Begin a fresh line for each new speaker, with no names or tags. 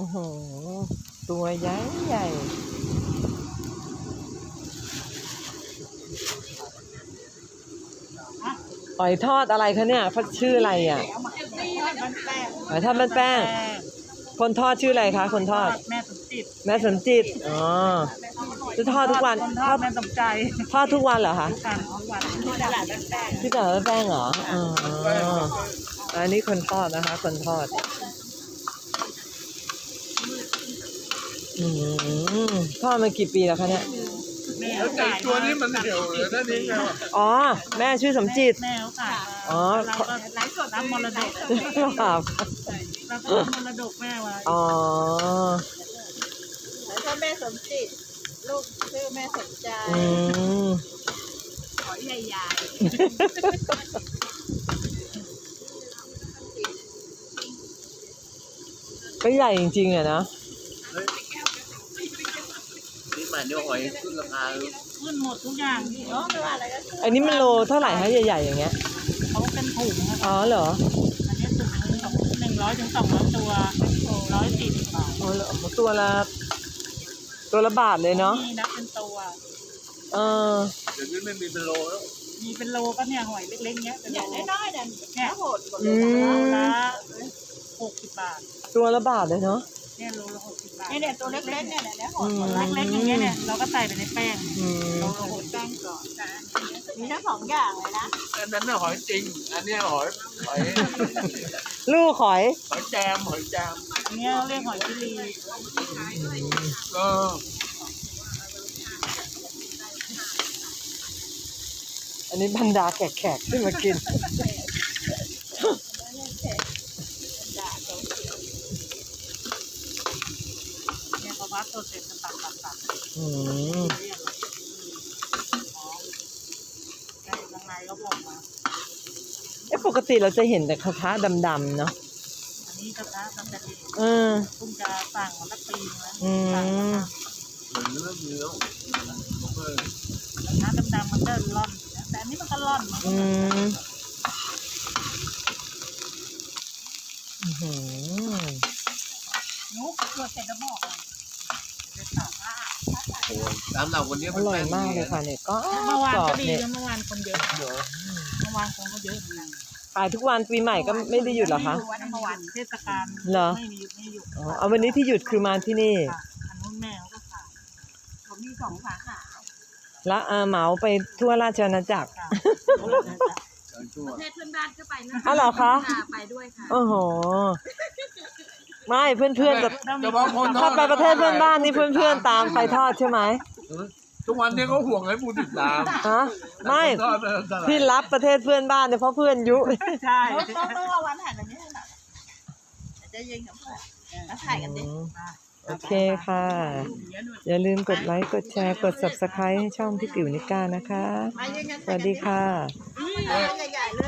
โอ้โหตัวใหญ่ใหญ่หอยทอดอะไรคะเนี่ยเขาชื่ออะไรอ่ะหอยทอดแป้งคนทอดชื่ออะไรคะคนทอด
แม่สมจิต
แม่สนจิตอ๋อจะทอดทุกวัน
ทอดแม่สมใจ
ทอดทุกวันเหรอคะ
ทุกวันที่ตลาดแป้ง
ที่ตลาดแป้งเหรออ๋ออันนี้คนทอดนะคะคนทอดทอดมากี่ปีแล้วคะเนี่ย
แล้วไก่ตัวนี้มันเหี่ยวเลยนั่นเอง
อ๋อแม่ชื่อสมจิต
แม่เขาขาย
อ๋อ
เราก็ไลฟ์สดรับมรดก
ครับ
เราก็มรดกแม่ไว้
อ๋อ
แล้วถ้าแม่สมจิตลูกชื่อแม่สมใจขอใหญ่
ก็ใหญ่จริงๆอะนะ
นี่หมายถึงหอยขึ้นราคา
ขึ้นหมดทุกอย่างที่
ไม่ว่าอะไรก็
อันนี้มันโลเท่าไหร่คะใหญ่ๆอย่างเงี้ย
เขาเป็นถุงครับ
อ๋อเหรอ
อันนี้ถุง100 ถึง 200 ตัว140 บาท
อ๋อตัวละบาทเลยเนาะ
นี่นับเป็นตัว
เดี๋ยวนี้ไม่มีเป็นโลแล้ว
มีเป็นโลก็เนี่ยหอยเล็กๆเนี้ย
อย่างน้อยๆเนี่ยโหดกว่า
ละ60 บาท
ตัวละบาทเลยเนาะ
เนี่ยโลละ60 บาท
เนี่ยตัวเล็กๆเนี่ยโหด
เล็กๆอย่างเงี้ยเนี่ยเราก็ใส่ไปในแป้ง
เราโหดแป้งก่อนมีทั้ง2อย่างเลยนะ
อันนั้นน่ะหอยจริงอันนี้หอย
ลูกหอย
แจม
อันนี้เรียกหอยชิลี
อันนี้บรรดาแขกขึ้นมากิน
เนี่ยพอพัดตัวเสร็จจะตัดได้ข้างในก็บอกมา
ปกติเราจะเห็นแต่กระทะดำๆเนาะ
อันนี้กระทะดำจะดีเพิ่งจะสั่งมาสักปีแล้ว
เหมือนเรื่องเนื้อก
ระทะดำๆมันก็ร่อนแต่อันนี้มันก็ร่อนนุ๊กตัวเสร็จแล้วบอก
ตามเราวันนี้
อร่อยมากเลยค่ะเนี่ยก็
เมื่อวานก็ดีเมื่อวานคนเยอะเมื่อวานคนก็เยอะ
ขายทุกวันปีใหม่ก็ไม่ได้หยุดหรอคะ
เมื่อวานเทศกาล
เหรอ
ไม่หยุด
เอาวันนี้ที่หยุดคือมาที่นี่
อันนู้นแม่เขาก็ขาย
ผมมี2 สาขา
แล้วเหมาไปทั่วราชอาณาจักร
ประเทศเพื่อนบ้านก็ไปนะ
เหรอคะ
ไปด้วยค่ะ
โอ้โหไม่เพื่อนๆถ้าไปประเทศเพื่อนบ้านนี่เพื่อนๆตามไปทอดใช่ไหม
ทุกวันนี้เขาห่วงให้ผู้ติดตาม
ไม่ที่รับประเทศเพื่อนบ้านเนี่ยเพราะเพื่อนยุ
ใช่
ต้องระวังถ่ายแบบนี้นะจะยิงกับเพื่อนแล้วถ่ายกันดิ
โอเคค่ะอย่าลืมกดไลค์กดแชร์กด Subscribe ให้ช่องพี่ติ๋วนิก้านะคะสวัสดีค่ะ